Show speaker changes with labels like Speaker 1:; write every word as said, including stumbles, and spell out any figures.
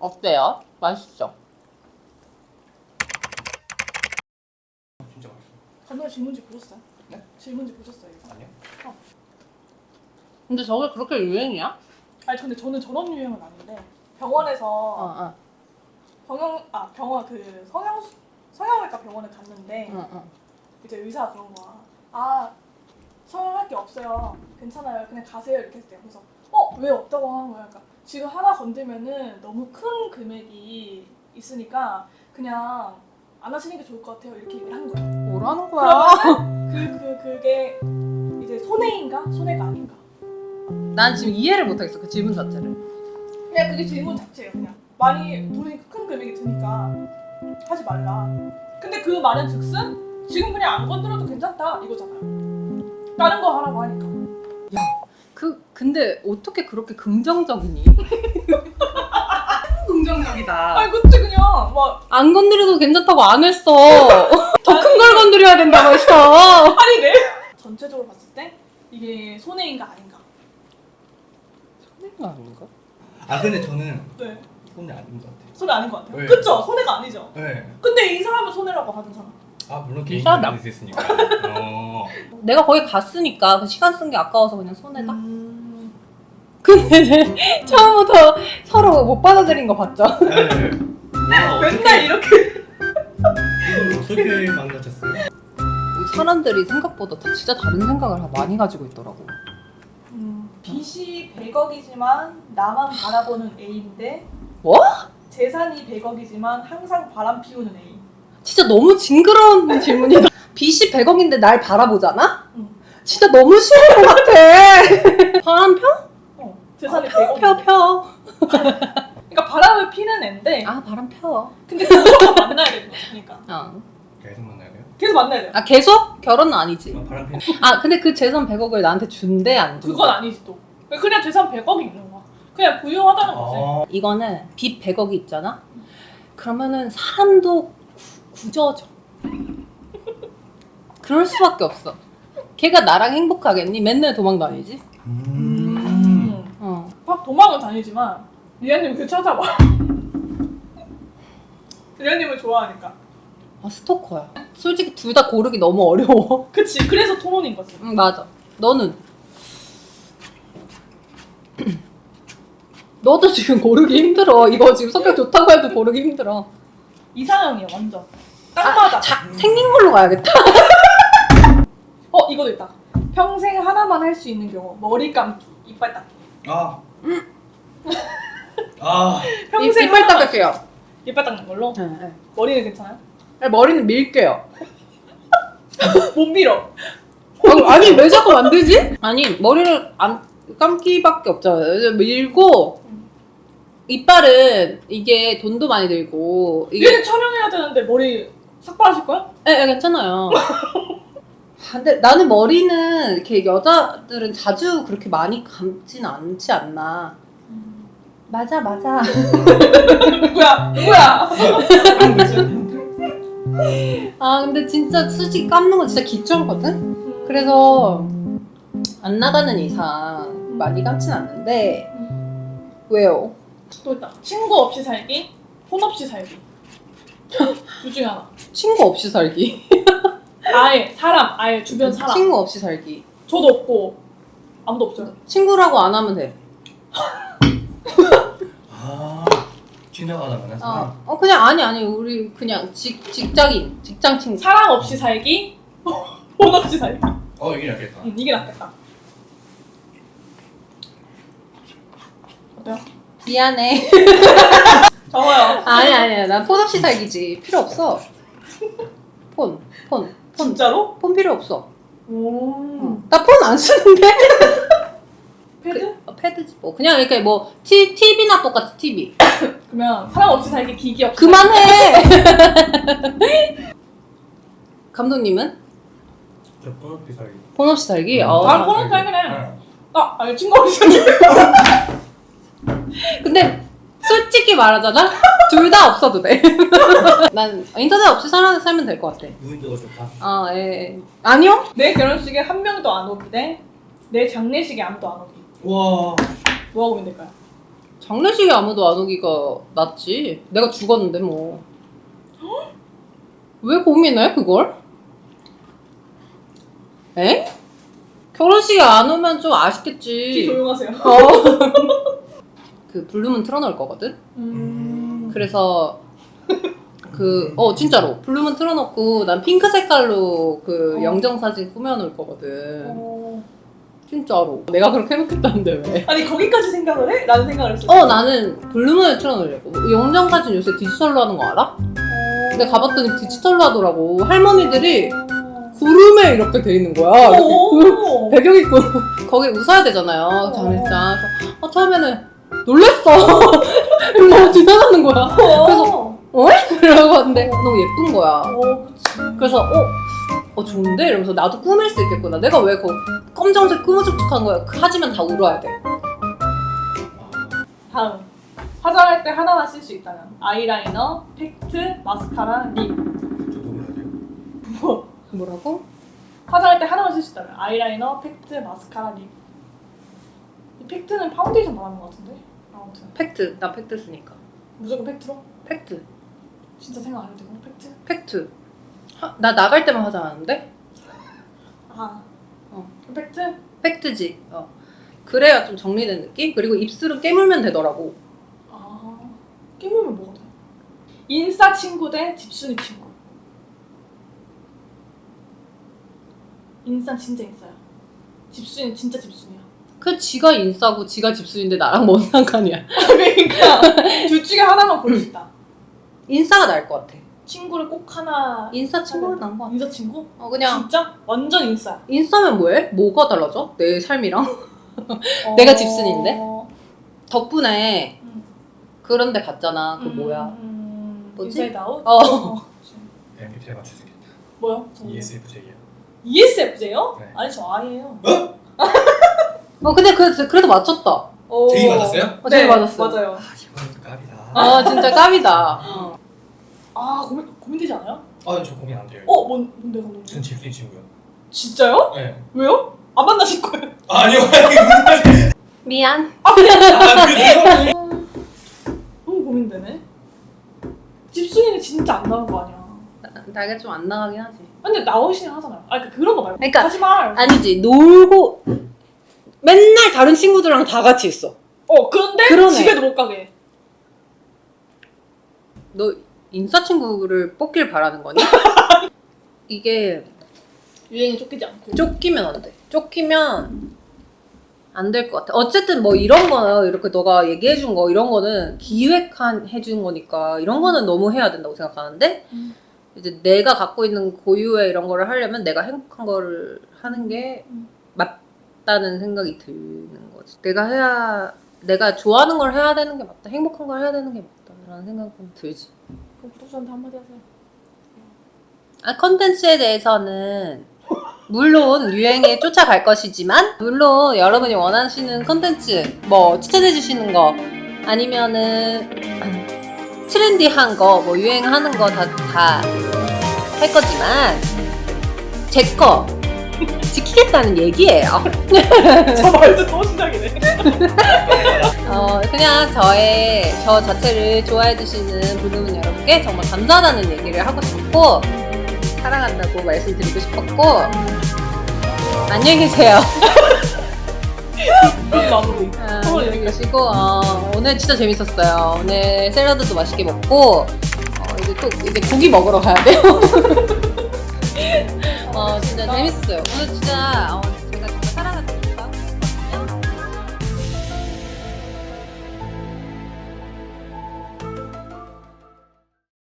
Speaker 1: 어때요? 맛있죠?
Speaker 2: 진짜 맛있어.
Speaker 3: 간단히 질문지 보셨어요?
Speaker 2: 네?
Speaker 3: 질문지 보셨어요 이거?
Speaker 2: 아니요.
Speaker 3: 어.
Speaker 1: 근데 저게 그렇게 유행이야?
Speaker 3: 아니 근데 저는 전업 유형은 아닌데 병원에서
Speaker 1: 어, 어.
Speaker 3: 병원 아 병원 그 성형 성형외과 병원에 갔는데
Speaker 1: 응, 응.
Speaker 3: 이제 의사가 그런 거야. 아 성형할 게 없어요. 괜찮아요. 그냥 가세요 이렇게 했대요. 그래서 어 왜 없다고 하는 거야? 그러니까 지금 하나 건들면은 너무 큰 금액이 있으니까 그냥 안 하시는 게 좋을 것 같아요. 이렇게 얘기를 한 거야.
Speaker 1: 뭐라는 거야?
Speaker 3: 그러면은 그, 그, 그게 이제 손해인가? 손해가 아닌가?
Speaker 1: 난 지금 이해를 못하겠어, 그 질문 자체를.
Speaker 3: 그냥 그게 질문 자체예요. 그냥 많이 돈이 큰 금액이 드니까 하지 말라. 근데 그 말은 즉슨 지금 그냥 안 건드려도 괜찮다 이거잖아요. 다른 거 하라고 하니까.
Speaker 1: 야, 그 근데 어떻게 그렇게 긍정적이니? 긍정적이다.
Speaker 3: 아니 그치 그냥 막
Speaker 1: 안 건드려도 괜찮다고 안 했어. 더 큰 걸 건드려야 된다고 했어.
Speaker 3: 아니 네. 전체적으로 봤을 때 이게 손해인가 아닌가?
Speaker 1: 손해가 아닌가?
Speaker 2: 아 근데 저는
Speaker 3: 네.
Speaker 2: 손이 아닌 것 같아요.
Speaker 3: 손해 아닌 것 같아요.
Speaker 2: 네.
Speaker 3: 그쵸? 손해가 아니죠.
Speaker 2: 네.
Speaker 3: 근데 이 사람은 손해라고 하잖아.
Speaker 2: 아 물론 개인
Speaker 1: 비싸다.
Speaker 2: 비즈니스 있으니까. 어.
Speaker 1: 내가 거기 갔으니까 그 시간 쓴 게 아까워서 그냥 손해다.
Speaker 3: 음...
Speaker 1: 근데 이제 처음부터 서로 못 받아들인 거 봤죠?
Speaker 2: 네. 와,
Speaker 3: 맨날 이렇게
Speaker 2: 이걸 어떻게 망가졌어요?
Speaker 1: 사람들이 생각보다 다 진짜 다른 생각을 많이 가지고 있더라고.
Speaker 3: 음, 빚이 백억이지만 나만 바라보는 A인데
Speaker 1: 뭐?
Speaker 3: 재산이 백억이지만 항상 바람 피우는 A.
Speaker 1: 진짜 너무 징그러운 질문이다. 빚이 백억인데 날 바라보잖아?
Speaker 3: 응.
Speaker 1: 진짜 너무 싫은 것 같아. 바람 펴?
Speaker 3: 어, 재산이
Speaker 1: 펴,
Speaker 3: 백억.
Speaker 1: 펴, 펴.
Speaker 3: 그러니까 바람을 피는 애인데
Speaker 1: 아, 바람 펴.
Speaker 3: 근데 그거랑 만나야 되는 거야. 그러니까
Speaker 1: 어.
Speaker 2: 계속 만나야 돼요?
Speaker 3: 계속 만나야 돼.
Speaker 1: 아, 계속? 결혼은 아니지.
Speaker 2: 아, 바람 피는.
Speaker 1: 아, 근데 그 재산 백억을 나한테 준대, 안 준대?
Speaker 3: 그건 아니지 또. 그냥 재산 백억이 있는 거야. 그냥 부유하다는 거지.
Speaker 2: 아.
Speaker 1: 이거는 빚 백억이 있잖아? 그러면은 사람도 구, 굳어져. 그럴 수밖에 없어. 걔가 나랑 행복하겠니? 맨날 도망 다니지?
Speaker 2: 음.
Speaker 3: 음.
Speaker 1: 어.
Speaker 3: 막 도망은 다니지만 리아님 그 찾아봐. 리아님을 좋아하니까.
Speaker 1: 아, 스토커야. 솔직히 둘 다 고르기 너무 어려워.
Speaker 3: 그치. 그래서 토론인 거지.
Speaker 1: 응, 맞아. 너는? 너도 지금 고르기 힘들어. 이거 지금 성격 좋다고 해도 고르기 힘들어.
Speaker 3: 이상형이야 완전. 딱 맞아.
Speaker 1: 자, 생긴 걸로 가야겠다.
Speaker 3: 어 이거도 있다. 평생 하나만 할 수 있는 경우 머리 감기, 이빨 닦기.
Speaker 2: 아. 아.
Speaker 3: 평생
Speaker 1: 이빨
Speaker 3: 하나만-
Speaker 1: 닦을게요.
Speaker 3: 이빨 닦는 걸로.
Speaker 1: 네, 네.
Speaker 3: 머리는 괜찮아요?
Speaker 1: 머리는 밀게요.
Speaker 3: 못 밀어.
Speaker 1: 아, 아니 왜 자꾸 만들지? 아니 머리를 안 감기밖에 없잖아요. 밀고 이빨은 이게 돈도 많이 들고 이게
Speaker 3: 얘는 촬영해야 되는데 머리 삭발하실 거야?
Speaker 1: 예, 예, 괜찮아요. 근데 나는 머리는 이렇게 여자들은 자주 그렇게 많이 감진 않지 않나. 맞아, 맞아.
Speaker 3: 누구야? 누구야?
Speaker 1: 아 근데 진짜 솔직히 감는 건 진짜 귀찮거든? 그래서 안 나가는 이상 많이 감진 않는데 왜요?
Speaker 3: 또 있다. 친구 없이 살기, 폰 없이 살기. 둘 중에 하나.
Speaker 1: 친구 없이 살기.
Speaker 3: 아예 사람, 아예 주변 사람.
Speaker 1: 친구 없이 살기.
Speaker 3: 저도 없고 아무도 없어요.
Speaker 1: 친구라고 안 하면 돼.
Speaker 2: 아. 지나가다 만난 사람.
Speaker 1: 어, 어 그냥 아니 아니 우리 그냥 직 직장인 직장 친구.
Speaker 3: 사랑 없이 살기, 폰 없이 살기.
Speaker 2: 어 이게 낫겠다.
Speaker 3: 응, 이게 낫겠다. 어때요?
Speaker 1: 미안해.
Speaker 3: 적어요.
Speaker 1: 아니 아니야 난 폰 없이 살기지. 필요 없어. 폰 폰 폰.
Speaker 3: 진짜로?
Speaker 1: 폰 필요 없어.
Speaker 3: 오.
Speaker 1: 나 폰 안 쓰는데.
Speaker 3: 패드?
Speaker 1: 그, 어, 패드지 뭐 그냥 이렇게 뭐 티, 티비나 똑같이 티비.
Speaker 3: 그러면 사랑 없이 살기, 기기 없이
Speaker 1: 그만해. 감독님은
Speaker 2: 저 번호피 살기.
Speaker 1: 폰 없이 살기.
Speaker 2: 음.
Speaker 1: 어.
Speaker 3: 아, 폰 없이 살긴 해.
Speaker 2: 네.
Speaker 3: 아, 아니 친구 없이 살기.
Speaker 1: 근데 솔직히 말하잖아. 둘 다 없어도 돼. 난 인터넷 없이 살아 살면 될 것 같아.
Speaker 2: 무인도가 좋다.
Speaker 1: 아 예. 아니요?
Speaker 3: 내 결혼식에 한 명도 안 오기 대 내 장례식에 아무도 안 오기.
Speaker 2: 와.
Speaker 3: 뭐가 고민될까요?
Speaker 1: 장례식에 아무도 안 오기가 낫지. 내가 죽었는데 뭐. 왜 고민해 그걸? 에? 결혼식에 안 오면 좀
Speaker 3: 귀
Speaker 1: 아쉽겠지.
Speaker 3: 조용하세요.
Speaker 1: 어. 그 블루문 틀어놓을 거거든.
Speaker 3: 음.
Speaker 1: 그래서 그 어 진짜로 블루문 틀어놓고 난 핑크 색깔로 그
Speaker 3: 어.
Speaker 1: 영정 사진 꾸며놓을 거거든.
Speaker 3: 어.
Speaker 1: 진짜로. 내가 그렇게 해놓겠다는데 왜?
Speaker 3: 아니 거기까지 생각을 해? 라는 생각을 했어.
Speaker 1: 어 나는 블루문을 틀어놓으려고. 영정 사진 요새 디지털로 하는 거 알아? 근데 가봤더니 디지털로 하더라고. 할머니들이 구름에 이렇게 돼 있는 거야. 이렇게
Speaker 3: 오.
Speaker 1: 배경 있고 거기 웃어야 되잖아요. 장례장. 그래서 어, 처음에는 놀랬어. 뭐 지나가는 거야. 그래서 어? 이러고 왔는데 너무 예쁜 거야.
Speaker 3: 어, 그치.
Speaker 1: 그래서 어? 어 좋은데? 이러면서 나도 꾸밀 수 있겠구나. 내가 왜 그 검정색 꾸무죽죽한 거야. 그 하지만 다 울어야 돼.
Speaker 3: 다음. 화장할 때 하나만 쓸 수 있다면 아이라이너, 팩트, 마스카라, 립.
Speaker 2: 저도 몰라야 돼요.
Speaker 3: 뭐?
Speaker 1: 뭐라고?
Speaker 3: 화장할 때 하나만 쓸 수 있다면 아이라이너, 팩트, 마스카라, 립. 이 팩트는 파운데이션 말하는 것 같은데? 아무튼
Speaker 1: 팩트. 나 팩트 쓰니까.
Speaker 3: 무조건 팩트로?
Speaker 1: 팩트.
Speaker 3: 진짜 생각 안 해도 되고 팩트?
Speaker 1: 팩트. 하, 나 나갈 때만 화장하는데?
Speaker 3: 아.
Speaker 1: 어.
Speaker 3: 그럼 팩트?
Speaker 1: 팩트지. 어. 그래야 좀 정리된 느낌? 그리고 입술은 깨물면 되더라고.
Speaker 3: 아. 깨물면 뭐가 돼? 인싸 친구 대 집순이 친구. 인싸 진짜 인싸야. 집순이 진짜 집순이야.
Speaker 1: 그 지가 인싸고 지가 집순인데 나랑 뭔 상관이야.
Speaker 3: 그러니까 둘 중에 하나만 고를 수 있다.
Speaker 1: 인싸가 나을 것 같아.
Speaker 3: 친구를 꼭 하나.
Speaker 1: 인싸 친구가 나은 것 같아.
Speaker 3: 인싸 친구?
Speaker 1: 어 그냥
Speaker 3: 진짜? 완전 인싸야.
Speaker 1: 인싸면 뭐해? 뭐가 달라져? 내 삶이랑?
Speaker 3: 어...
Speaker 1: 내가 집순인데? 덕분에
Speaker 3: 음.
Speaker 1: 그런 데 갔잖아. 그
Speaker 3: 음,
Speaker 1: 뭐야?
Speaker 3: 음,
Speaker 1: 뭐지?
Speaker 3: 인사이드 아웃?
Speaker 1: 어.
Speaker 2: 엠비티아이 맞출 수 있겠다.
Speaker 3: 뭐요?
Speaker 2: 이에스에프제이요.
Speaker 3: 이에스에프제요?
Speaker 2: 네.
Speaker 3: 아니 저 아이예요.
Speaker 1: 어 근데 그, 그래도 맞췄다.
Speaker 3: 어...
Speaker 2: 제이 맞았어요?
Speaker 1: 어, 제이 맞았어.
Speaker 3: 맞아요.
Speaker 2: 아 이거는 또 깝이다.
Speaker 1: 아 진짜 깝이다. 어.
Speaker 3: 아 고민 고민되지 않아요?
Speaker 2: 아저 고민 안 돼요.
Speaker 3: 어 뭔 뭔데 감독님?
Speaker 2: 전 집순이 친구요.
Speaker 3: 진짜요?
Speaker 2: 네.
Speaker 3: 왜요? 안 만나실 거예요?
Speaker 2: 아니요. 아니
Speaker 1: 미안.
Speaker 2: 무슨
Speaker 3: 너무 고민되네. 집순이는 진짜 안 나온 거 아니야?
Speaker 1: 나가 좀 안 나가긴 하지.
Speaker 3: 근데 나오시긴 하잖아요. 아니 그러니까 그런 거 말고.
Speaker 1: 그러니까
Speaker 3: 하지 말.
Speaker 1: 아니지 놀고 맨날 다른 친구들이랑 다 같이 있어.
Speaker 3: 어 그런데
Speaker 1: 그러네.
Speaker 3: 집에도 못 가게.
Speaker 1: 너 인싸 친구를 뽑길 바라는 거니? 이게
Speaker 3: 유행에 쫓기지 않고.
Speaker 1: 쫓기면 안 돼. 쫓기면 안 될 것 같아. 어쨌든 뭐 이런 거 이렇게 너가 얘기해 준 거 이런 거는 기획한 해준 거니까 이런 거는 너무 해야 된다고 생각하는데
Speaker 3: 음.
Speaker 1: 이제 내가 갖고 있는 고유의 이런 거를 하려면 내가 행복한 거를 하는 게
Speaker 3: 음.
Speaker 1: 맞다는 생각이 드는 거지. 내가 해야 내가 좋아하는 걸 해야 되는 게 맞다. 행복한 걸 해야 되는 게 맞다라는 생각은 들지.
Speaker 3: 그럼 구독자한테 한마디 하세요.
Speaker 1: 아, 컨텐츠에 대해서는 물론 유행에 쫓아갈 것이지만 물론 여러분이 원하시는 컨텐츠 뭐 추천해 주시는 거 아니면은 트렌디한 거 뭐 유행하는 거 다 다 할 거지만 제 거 지키겠다는 얘기예요.
Speaker 3: 저 말도 또 시작이네.
Speaker 1: 어, 그냥 저의 저 자체를 좋아해 주시는 블루문 여러분께 정말 감사하다는 얘기를 하고 싶고 사랑한다고 말씀드리고 싶었고 안녕히 계세요.
Speaker 3: 마무리.
Speaker 1: 아, 안녕히 계시고 어, 오늘 진짜 재밌었어요. 오늘 샐러드도 맛있게 먹고 어, 이제 또 이제 고기 먹으러 가야 돼요. 어 진짜 재밌었어요. 오늘 진짜 어,